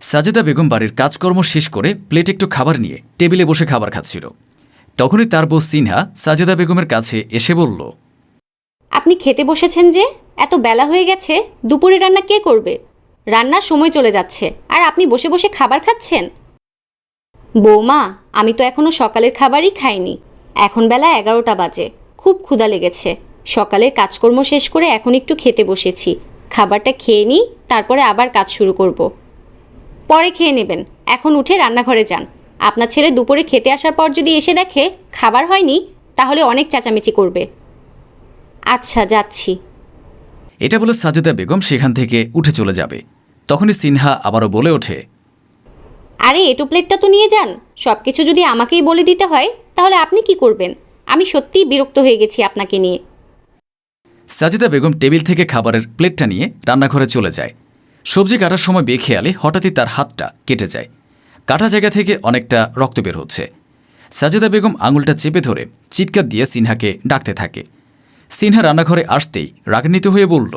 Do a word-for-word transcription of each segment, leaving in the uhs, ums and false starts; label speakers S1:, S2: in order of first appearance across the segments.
S1: সাজেদা বেগম বাড়ির কাজকর্ম শেষ করে প্লেট একটু খাবার নিয়ে টেবিলে বসে খাবার খাচ্ছিল। তখনই তার বউ সিনহা সাজেদা বেগমের কাছে এসে বলল,
S2: আপনি খেতে বসেছেন যে? এত বেলা হয়ে গেছে, দুপুরে রান্না কে করবে? রান্নার সময় চলে যাচ্ছে আর আপনি বসে বসে খাবার খাচ্ছেন। বৌমা, আমি তো এখনো সকালের খাবারই খাইনি। এখন বেলা এগারোটা বাজে, খুব ক্ষুধা লেগেছে। সকালের কাজকর্ম শেষ করে এখন একটু খেতে বসেছি। খাবারটা খেয়ে নিই, তারপরে আবার কাজ শুরু করব। পরে খেয়ে নেবেন, এখন উঠে রান্নাঘরে যান। আপনার ছেলে দুপুরে খেতে আসার পর যদি এসে দেখে খাবার হয়নি, তাহলে অনেক চেঁচামেচি করবে। আচ্ছা, যাচ্ছি।
S1: এটা বলে সাজেদা বেগম সেখান থেকে উঠে চলে যাবে। তখনই সিনহা আবারও বলে ওঠে,
S2: আরে এটো প্লেটটা তো নিয়ে যান। সব কিছু যদি আমাকেই বলে দিতে হয়, তাহলে আপনি কি করবেন? আমি সত্যিই বিরক্ত হয়ে গেছি আপনাকে নিয়ে।
S1: সাজেদা বেগম টেবিল থেকে খাবারের প্লেটটা নিয়ে রান্নাঘরে চলে যায়। সবজি কাটার সময় বেখেয়ালে হঠাৎই তার হাতটা কেটে যায়। কাটা জায়গা থেকে অনেকটা রক্ত বের হচ্ছে। সাজেদা বেগম আঙুলটা চেপে ধরে চিৎকার দিয়ে সিনহাকে ডাকতে থাকে। সিনহা রান্নাঘরে আসতেই রাগান্বিত হয়ে বলল,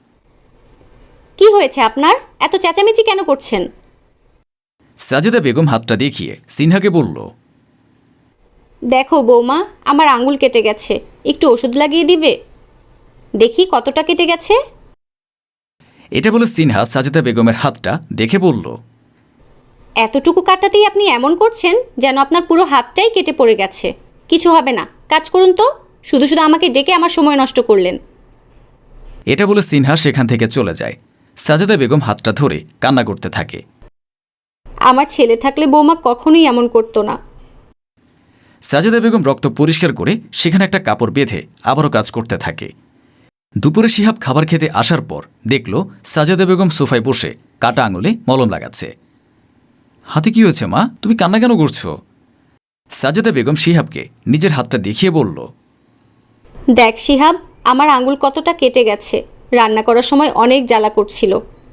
S2: কি হয়েছে আপনার? এত চেঁচামেচি কেন করছেন?
S1: সাজেদা বেগম হাতটা দেখিয়ে সিনহাকে বলল,
S2: দেখো বৌমা, আমার আঙুল কেটে গেছে, একটু ওষুধ লাগিয়ে দিবে? দেখি কতটা কেটে গেছে।
S1: এটা বলে সিনহা সাজেদা বেগমের হাতটা দেখে বলল,
S2: এতটুকু কাটাতেই আপনি এমন করছেন যেন আপনার পুরো হাতটাই কেটে পড়ে গেছে। কিছু হবে না, কাজ করুন তো। শুধু শুধু আমাকে ডেকে আমার সময় নষ্ট করলেন।
S1: এটা বলে সিনহা সেখান থেকে চলে যায়। সাজেদা বেগম হাতটা ধরে কান্না করতে থাকে।
S2: আমার ছেলে থাকলে বৌমা কখনোই এমন করতো না।
S1: সাজেদা বেগম রক্ত পরিষ্কার করে সেখানে একটা কাপড় বেঁধে আবারও কাজ করতে থাকে। দুপুরে শিহাব খাবার খেতে আসার পর দেখল সাজেদা বেগম সোফায় বসে কাটা আঙুলে মলম লাগাচ্ছে। হাতে কি হয়েছে মা, তুমি কান্না কেন করছো? সাজেদা বেগম শিহাবকে নিজের হাতটা দেখিয়ে বলল,
S2: দেখ শিহাব, আমার আঙুল কতটা কেটে গেছে। রান্না করার সময় অনেক জ্বালা করছিল।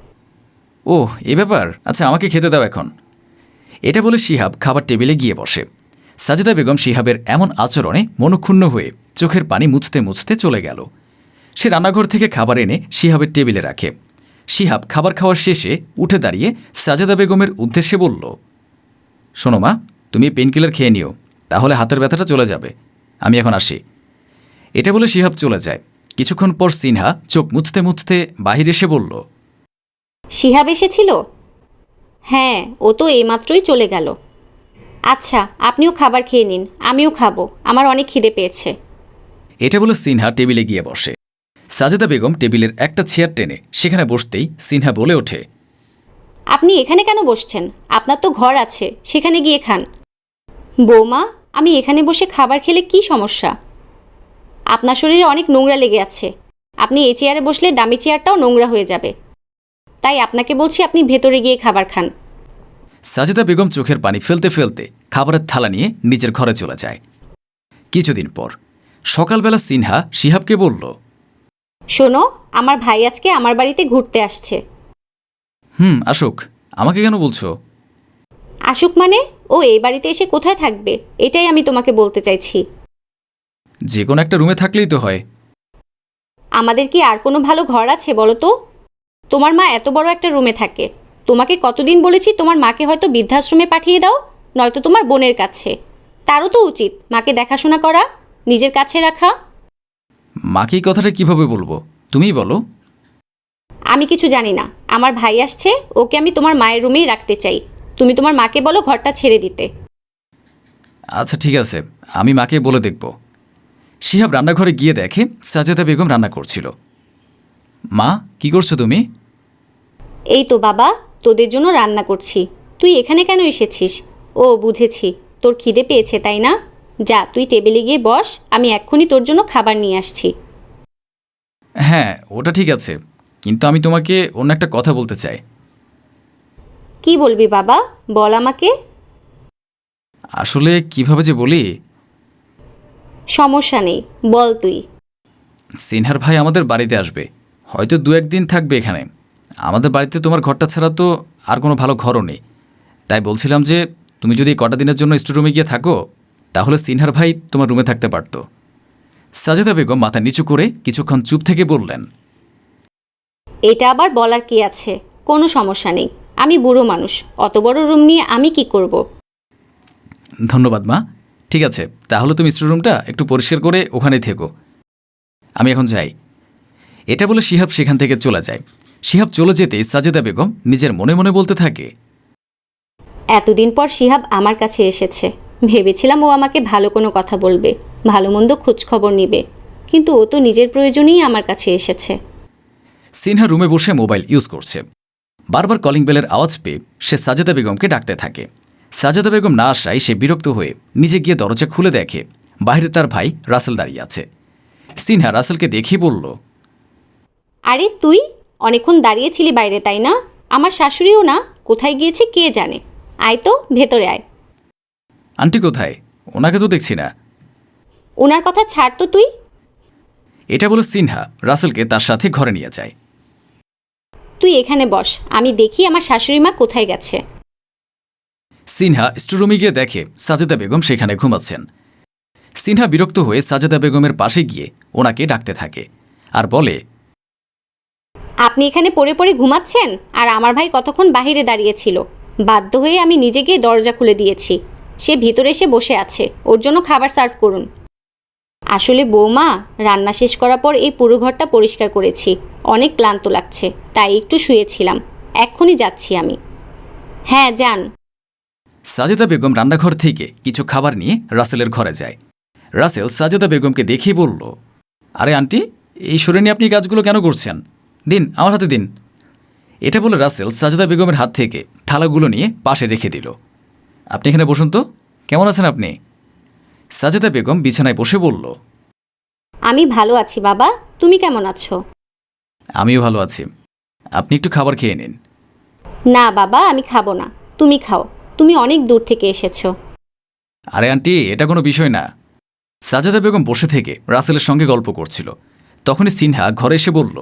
S1: ও এ ব্যাপার, আচ্ছা আমাকে খেতে দাও এখন। এটা বলে শিহাব খাবার টেবিলে গিয়ে বসে। সাজেদা বেগম শিহাবের এমন আচরণে মনক্ষুণ্ণ হয়ে চোখের পানি মুছতে মুছতে চলে গেল। সে রান্নাঘর থেকে খাবার এনে শিহাবের টেবিলে রাখে। শিহাব খাবার খাওয়ার শেষে উঠে দাঁড়িয়ে সাজেদা বেগমের উদ্দেশ্যে বলল, শোনো মা, তুমি পেনকিলার খেয়ে নিও, তাহলে হাতের ব্যথাটা চলে যাবে। আমি এখন আসি। এটা বলে শিহাব চলে যায়। কিছুক্ষণ পর সিনহা চোখ মুছতে মুছতে বাহির এসে বলল,
S2: শিহাব এসেছিল? হ্যাঁ, ও তো এইমাত্রই চলে গেল। আচ্ছা, আপনিও খাবার খেয়ে নিন, আমিও খাবো, আমার অনেক খিদে পেয়েছে।
S1: এটা বলে সিনহা টেবিলে গিয়ে বসে। সাজেদা বেগম টেবিলের একটা চেয়ার টেনে সেখানে বসতেই সিনহা বলে ওঠে,
S2: আপনি এখানে কেন বসছেন? আপনার তো ঘর আছে, সেখানে গিয়ে খান। বৌমা, আমি এখানে বসে খাবার খেলে কি সমস্যা? আপনার শরীরে অনেক নোংরা লেগে আছে। আপনি এই চেয়ারে বসলে দামি চেয়ারটাও নোংরা হয়ে যাবে। তাই আপনাকে বলছি আপনি ভেতরে গিয়ে খাবার খান।
S1: সাজেদা বেগম চোখের পানি ফেলতে ফেলতে খাবারের থালা নিয়ে নিজের ঘরে চলে যায়। কিছুদিন পর সকালবেলা সিনহা শিহাবকে বলল,
S2: শোনো, আমার ভাই আজকে আমার বাড়িতে ঘুরতে আসছে।
S1: হুম আসুক, আমাকে কেন বলছো?
S2: আসুক মানে? ও এই বাড়িতে এসে কোথায় থাকবে, এটাই আমি তোমাকে বলতে চাইছি।
S1: যে কোনো একটা রুমে থাকলেই তো হয়।
S2: আমাদের কি আর কোনো ভালো ঘর আছে বলো তো? তোমার মা এত বড় একটা রুমে থাকে। তোমাকে কতদিন বলেছি তোমার মাকে হয়তো বৃদ্ধাশ্রমে পাঠিয়ে দাও, নয়তো তোমার বোনের কাছে। তারও তো উচিত মাকে দেখাশোনা করা, নিজের কাছে রাখা।
S1: মাকে এই কথাটা কিভাবে বলবো, তুমিই বলো।
S2: আমি কিছু জানি না। আমার ভাই আসছে, ওকে আমি তোমার মায়ের রুমেই রাখতে চাই। তুমি তোমার মাকে বলো ঘরটা ছেড়ে দিতে।
S1: আচ্ছা ঠিক আছে, আমি মাকে বলে দেখব। শিহাব রান্নাঘরে গিয়ে দেখে সাজেদা বেগম রান্না করছিল। মা, কি করছো তুমি?
S2: এই তো বাবা, তোদের জন্য রান্না করছি। তুই এখানে কেন এসেছিস? ও বুঝেছি, তোর খিদে পেয়েছে তাই না? যা, তুই টেবিলে গিয়ে বস, আমি এক্ষুনি তোর জন্য খাবার নিয়ে আসছি।
S1: হ্যাঁ ওটা ঠিক আছে, কিন্তু আমি তোমাকে অন্য একটা কথা বলতে চাই।
S2: কি বলবি বাবা, বল আমাকে।
S1: আসলে কিভাবে যে বলি।
S2: সমস্যা নেই, বল তুই।
S1: সিনহার ভাই আমাদের বাড়িতে আসবে, হয়তো দু একদিন থাকবে এখানে। আমাদের বাড়িতে তোমার ঘরটা ছাড়া তো আর কোনো ভালো ঘরও নেই। তাই বলছিলাম যে তুমি যদি কটা দিনের জন্য স্টোরুমে গিয়ে থাকো, তাহলে সিনহার ভাই তোমার রুমে থাকতে পারত। সাজেদা বেগম মাথা নিচু করে কিছুক্ষণ চুপ থেকে বললেন,
S2: এটা আবার বলার কি আছে? কোনো সমস্যা নেই, আমি বুড়ো মানুষ, অত বড় রুম নিয়ে আমি কি করব।
S1: ধন্যবাদ মা। ঠিক আছে, তাহলে তুমি স্টোররুমটা একটু পরিষ্কার করে ওখানেই থেকো। আমি এখন যাই। এটা বলে শিহাব সেখান থেকে চলে যায়। শিহাব চলে যেতেই সাজেদা বেগম নিজের মনে মনে বলতে থাকে,
S2: এতদিন পর শিহাব আমার কাছে এসেছে। ভেবেছিলাম ও আমাকে ভালো কোনো কথা বলবে, ভালো মন্দ খোঁজখবর নিবে, কিন্তু ও তো নিজের প্রয়োজনেই আমার কাছে এসেছে।
S1: সিনহা রুমে বসে মোবাইল ইউজ করছে। বারবার কলিং বেলের আওয়াজ পেয়ে সে সাজেদা বেগমকে ডাকতে থাকে। সাজেদা বেগম না আসায় সে বিরক্ত হয়ে নিজে গিয়ে দরজা খুলে দেখে বাইরে তার ভাই রাসেল দাঁড়িয়ে আছে। সিনহা রাসেলকে দেখে বলল,
S2: আরে তুই অনেকক্ষণ দাঁড়িয়েছিলি বাইরে, তাই না? আমার শাশুড়িও না, কোথায় গিয়েছে কে জানে। আয় তো, ভেতরে আয়।
S1: আন্টি কোথায়? ওনাকে তো দেখছি না।
S2: ওনার কথা ছাড় তো তুই।
S1: এটা বলে সিনহা রাসেলকে তার সাথে ঘরে নিয়ে যায়।
S2: তুই এখানে বস, আমি দেখি আমার শাশুড়ি মা কোথায় গেছে।
S1: সিনহা স্টোররুমে গিয়ে দেখে সাজেদা বেগম সেখানে ঘুমাচ্ছেন। সিনহা বিরক্ত হয়ে সাজেদা বেগমের পাশে গিয়ে ওনাকে ডাকতে থাকে আর বলে,
S2: আপনি এখানে পড়ে পড়ে ঘুমাচ্ছেন, আর আমার ভাই কতক্ষণ বাহিরে দাঁড়িয়েছিল। বাধ্য হয়ে আমি নিজে গিয়ে দরজা খুলে দিয়েছি। সে ভিতরে এসে বসে আছে, ওর জন্য খাবার সার্ভ করুন। আসলে বৌমা, রান্না শেষ করার পর এই পুরো ঘরটা পরিষ্কার করেছি, অনেক ক্লান্ত লাগছে, তাই একটু শুয়েছিলাম। এক্ষুনি যাচ্ছি আমি। হ্যাঁ, যান।
S1: সাজেদা বেগম রান্নাঘর থেকে কিছু খাবার নিয়ে রাসেলের ঘরে যায়। রাসেল সাজেদা বেগমকে দেখেই বলল, আরে আন্টি, এই শরীরে আপনি কাজগুলো কেন করছেন? দিন, আমার হাতে দিন। এটা বলে রাসেল সাজেদা বেগমের হাত থেকে থালাগুলো নিয়ে পাশে রেখে দিল। আপনি এখানে বসুন তো, কেমন আছেন আপনি? সাজেদা বেগম বিছানায় বসে বলল,
S2: আমি ভালো আছি বাবা, তুমি কেমন আছো?
S1: আমিও ভালো আছি। আপনি একটু খাবার খেয়ে নিন।
S2: না বাবা, আমি খাবো না, তুমি খাও, তুমি অনেক দূর থেকে এসেছো।
S1: আরে আন্টি, এটা কোনো বিষয় না। সাজেদা বেগম বসে থেকে রাসেলের সঙ্গে গল্প করছিল। তখনই সিনহা ঘরে এসে বলল,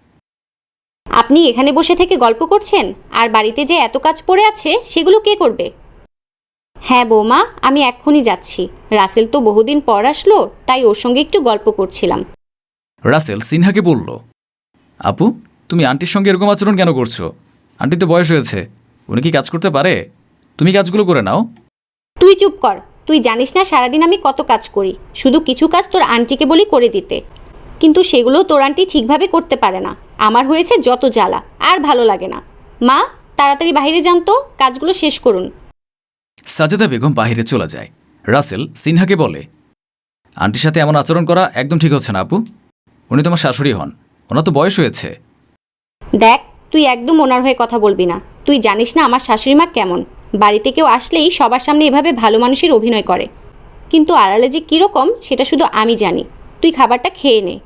S2: আপনি এখানে বসে থেকে গল্প করছেন, আর বাড়িতে যে এত কাজ পড়ে আছে সেগুলো কে করবে? হ্যাঁ বৌমা, আমি এক্ষুনি যাচ্ছি। রাসেল তো বহুদিন পর আসলো, তাই ওর সঙ্গে একটু গল্প করছিলাম।
S1: রাসেল সিনহাকে বলল, আপু, তুমি আন্টির সঙ্গে এরকম আচরণ কেন করছো? আন্টি তো বয়স হয়েছে, উনি কি কাজ করতে পারে? তুমি কাজগুলো করে নাও।
S2: তুই চুপ কর। তুই জানিস না সারাদিন আমি কত কাজ করি। শুধু কিছু কাজ তোর আন্টিকে বলি করে দিতে, কিন্তু সেগুলো তোর আন্টি ঠিকভাবে করতে পারে না। আমার হয়েছে যত জ্বালা, আর ভালো লাগে না। মা, তাড়াতাড়ি বাইরে যান তো, কাজগুলো শেষ করুন।
S1: সাজেদা বেগম বাহিরে চলে যায়। রাসেল সিনহাকে বলে, আন্টির সাথে এমন আচরণ করা একদম ঠিক হচ্ছে না আপু। উনি তোমার শাশুড়ি হন, ওনার তো বয়স হয়েছে।
S2: দেখ, তুই একদম ওনার হয়ে কথা বলবি না। তুই জানিস না আমার শাশুড়ি মা কেমন। বাড়িতে কেউ আসলেই সবার সামনে এভাবে ভালো মানুষের অভিনয় করে, কিন্তু আড়ালে যে কীরকম সেটা শুধু আমি জানি। তুই খাবারটা খেয়ে নে।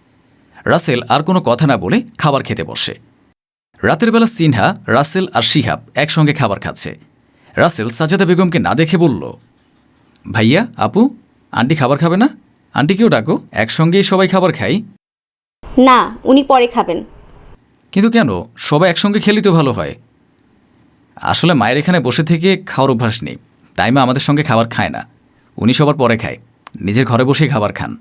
S1: রাসেল আর কোনো কথা না বলে খাবার খেতে বসে। রাতের বেলা সিনহা, রাসেল আর শিহাব একসঙ্গে খাবার খাচ্ছে। রাসেল সাজেদা বেগমকে না দেখে বলল, ভাইয়া, আপু, আন্টি খাবার খাবে না? আন্টিকেও ডাকো, একসঙ্গেই সবাই খাবার খাই।
S2: না, উনি পরে খাবেন।
S1: কিন্তু কেন? সবাই একসঙ্গে খেলেই তো ভালো হয়। আসলে মায়ের এখানে বসে থেকে খাওয়ার অভ্যাস নেই, তাই মা আমাদের সঙ্গে খাবার খায় না। উনি সবার পরে খায়, নিজের ঘরে বসেই খাবার খান।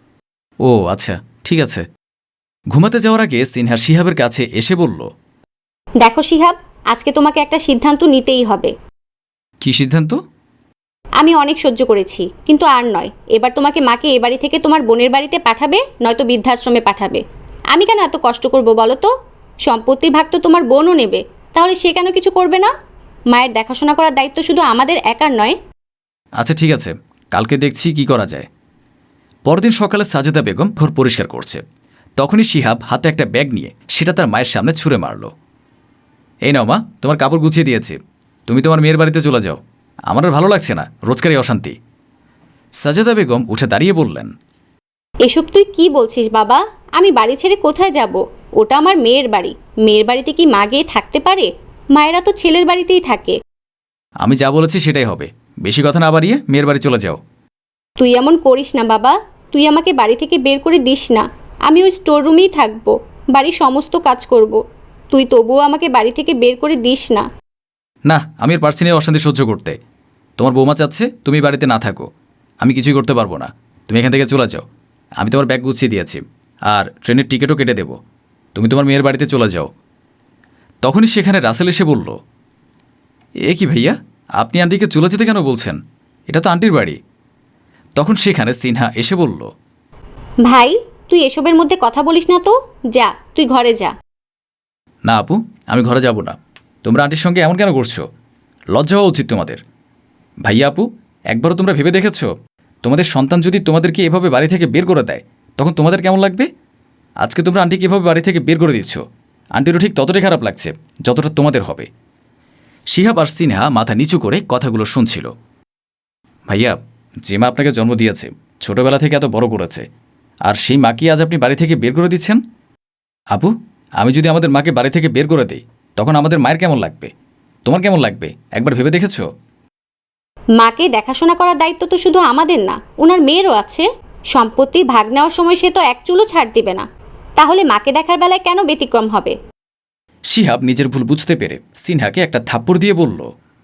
S1: ও আচ্ছা, ঠিক আছে। ঘুমাতে যাওয়ার আগে সিনহা শিহাবের কাছে এসে বলল,
S2: দেখো শিহাব, আজকে তোমাকে একটা সিদ্ধান্ত নিতেই হবে।
S1: কি সিদ্ধান্ত?
S2: আমি অনেক সহ্য করেছি, কিন্তু আর নয়। এবার তোমাকে মাকে এ বাড়ি থেকে তোমার বোনের বাড়িতে পাঠাবে, নয়তো বৃদ্ধাশ্রমে পাঠাবে। আমি কেন এত কষ্ট করব বলো তো? সম্পত্তির ভাগ তো তোমার বোনও নেবে, তাহলে সে কেন কিছু করবে না? মায়ের দেখাশোনা করার দায়িত্ব শুধু আমাদের একার নয়।
S1: আচ্ছা ঠিক আছে, কালকে দেখছি কি করা যায়। পরদিন সকালে সাজেদা বেগম ঘর পরিষ্কার করছে। তখনই শিহাব হাতে একটা ব্যাগ নিয়ে সেটা তার মায়ের সামনে ছুঁড়ে মারল। এই নাও মা, তোমার কাপড় গুছিয়ে দিয়েছি, তুমি তোমার মেয়ের বাড়িতে চলে যাও। আমার আর ভালো লাগছে না রোজকারই অশান্তি। সাজেদা বেগম উঠে দাঁড়িয়ে বললেন,
S2: এসব তুই কি বলছিস বাবা? আমি বাড়ি ছেড়ে কোথায় যাব? ওটা আমার মেয়ের বাড়ি। মেয়ের বাড়িতে কি মা গিয়ে থাকতে পারে? মায়েরা তো ছেলের বাড়িতেই থাকে।
S1: আমি যা বলেছি সেটাই হবে, বেশি কথা না বাড়িয়ে মেয়ের বাড়ি চলে যাও।
S2: তুই এমন করিস না বাবা, তুই আমাকে বাড়ি থেকে বের করে দিস না। আমি ওই স্টোর রুমেই থাকবো, বাড়ির সমস্ত কাজ করব। তুই তবুও আমাকে বাড়ি থেকে বের করে দিস না।
S1: না, আমি আর পারছি না এই অশান্তি সহ্য করতে। তোমার বৌমা চাচ্ছে তুমি বাড়িতে না থাকো, আমি কিছুই করতে পারবো না। তুমি এখান থেকে চলে যাও। আমি তোমার ব্যাগ গুছিয়ে দিয়েছি, আর ট্রেনের টিকিটও কেটে দেবো। তুমি তোমার মেয়ের বাড়িতে চলে যাও। তখনই সেখানে রাসেল এসে বলল, এ কি ভাইয়া, আপনি আন্টিকে চলে যেতে কেন বলছেন? এটা তো আন্টির বাড়ি। তখন সেখানে সিনহা এসে বলল,
S2: ভাই, তুই এসবের মধ্যে কথা বলিস না তো। যা, তুই ঘরে যা।
S1: না আপু, আমি ঘরে যাব না। তোমরা আন্টির সঙ্গে এমন কেন করছো? লজ্জা হওয়া উচিত তোমাদের। ভাইয়া আপু, একবারও তোমরা ভেবে দেখেছ, তোমাদের সন্তান যদি তোমাদেরকে এভাবে বাড়ি থেকে বের করে দেয় তখন তোমাদের কেমন লাগবে? আজকে তোমরা আন্টিকে এভাবে বাড়ি থেকে বের করে দিচ্ছ, আন্টিরও ঠিক ততটাই খারাপ লাগছে যতটা তোমাদের হবে। শিহাব আর সিনহা মাথা নিচু করে কথাগুলো শুনছিল। ভাইয়া, যে মা আপনাকে জন্ম দিয়েছে, ছোটবেলা থেকে এত বড় করেছে, আর সেই মাকে আজ আপনি বাড়ি থেকে বের করে দিচ্ছেন? আপু, আমি যদি আমাদের মাকে বাড়ি থেকে বের করে দিই তখন আমাদের মায়ের কেমন লাগবে? তোমার কেমন লাগবে একবার ভেবে দেখেছ?
S2: মাকে দেখাশোনা করার দায়িত্ব তো শুধু আমাদের না, ওনার মেয়েরও আছে। সম্পত্তির ভাগ নেওয়ার সময় সে তো এক চুলও ছাড় দিবে না, তাহলে মাকে দেখার বেলায় কেন ব্যতিক্রম হবে?
S1: শিহাব নিজের ভুল বুঝতে পেরে সিনহাকে একটা থাপ্পড় দিয়ে বলল,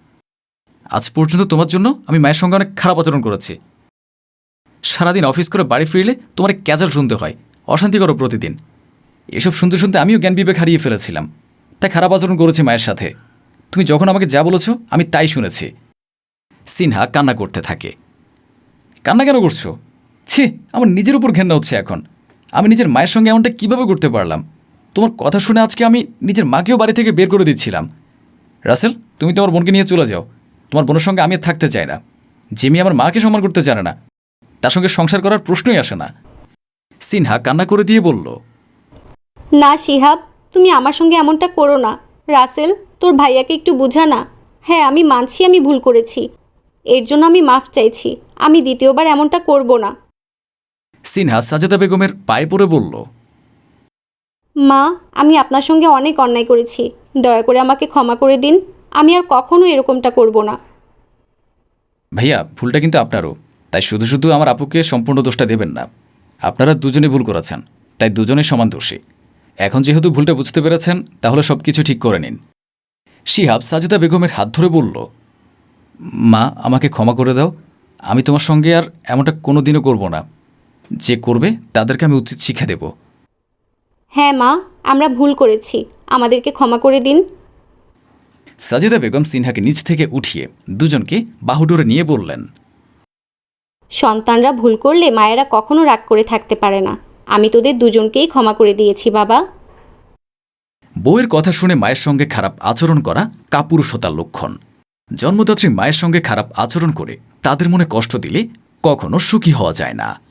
S1: আজ পর্যন্ত তোমার জন্য আমি মায়ের সঙ্গে অনেক খারাপ আচরণ করেছি। সারাদিন অফিস করে বাড়ি ফিরলে তোমার ক্যাজাল শুনতে হয়, অশান্তি করো প্রতিদিন। এসব শুনতে শুনতে আমিও জ্ঞান বিবেক হারিয়ে ফেলেছিলাম, তাই খারাপ আচরণ করেছি মায়ের সাথে। তুমি যখন আমাকে যা বলেছ আমি তাই শুনেছি। সিনহা কান্না করতে থাকে। কান্না কেন করছো? ছি, আমার নিজের উপর ঘেন্না হচ্ছে এখন। আমি নিজের মায়ের সঙ্গে এমনটা কিভাবে করতে পারলাম? তোমার কথা শুনে আজকে আমি নিজের মাকেও বাড়ি থেকে বের করে দিচ্ছিলাম। রাসেল, তুমি তোমার বোনকে নিয়ে চলে যাও। তোমার বোনের সঙ্গে আমি আর থাকতে চাই না। যে মেয়ে আমার মাকে সম্মান করতে জানে না, তার সঙ্গে সংসার করার প্রশ্নই আসে না। সিনহা কান্না করে দিয়ে বলল,
S2: না শিহাব, তুমি আমার সঙ্গে এমনটা করো না। রাসেল, তোর ভাইয়াকে একটু বোঝা না। হ্যাঁ, আমি মানছি আমি ভুল করেছি, এর জন্য আমি মাফ চাইছি। আমি দ্বিতীয়বার এমনটা করব না।
S1: সিনহা সাজেদা বেগমের পায়ে পড়ে বলল,
S2: মা, আমি আপনার সঙ্গে অনেক অন্যায় করেছি, দয়া করে আমাকে ক্ষমা করে দিন। আমি আর কখনো এরকমটা করব না।
S1: ভাইয়া, ভুলটা কিন্তু আপনারও, তাই শুধু শুধু আমার আপুকে সম্পূর্ণ দোষটা দেবেন না। আপনারা দুজনে ভুল করেছেন, তাই দুজনেই সমান দোষী। এখন যেহেতু ভুলটা বুঝতে পেরেছেন, তাহলে সব কিছু ঠিক করে নিন। শিহাব সাজেদা বেগমের হাত ধরে বলল, মা, আমাকে ক্ষমা করে দাও। আমি তোমার সঙ্গে আর এমনটা কোনো দিনও করব না। যে করবে তাদেরকে আমি উচিত শিক্ষা দেব।
S2: হ্যাঁ মা, আমরা ভুল করেছি, আমাদেরকে ক্ষমা করে দিন।
S1: সাজেদা বেগম সিনহাকে নিচ থেকে উঠিয়ে দুজনকে বাহুডোরে নিয়ে বললেন,
S2: সন্তানরা ভুল করলে মায়েরা কখনো রাগ করে থাকতে পারে না। আমি তোদের দুজনকেই ক্ষমা করে দিয়েছি বাবা।
S1: বউয়ের কথা শুনে মায়ের সঙ্গে খারাপ আচরণ করা কাপুরুষতার লক্ষণ। জন্মদাত্রী মায়ের সঙ্গে খারাপ আচরণ করে তাদের মনে কষ্ট দিলে কখনো সুখী হওয়া যায় না।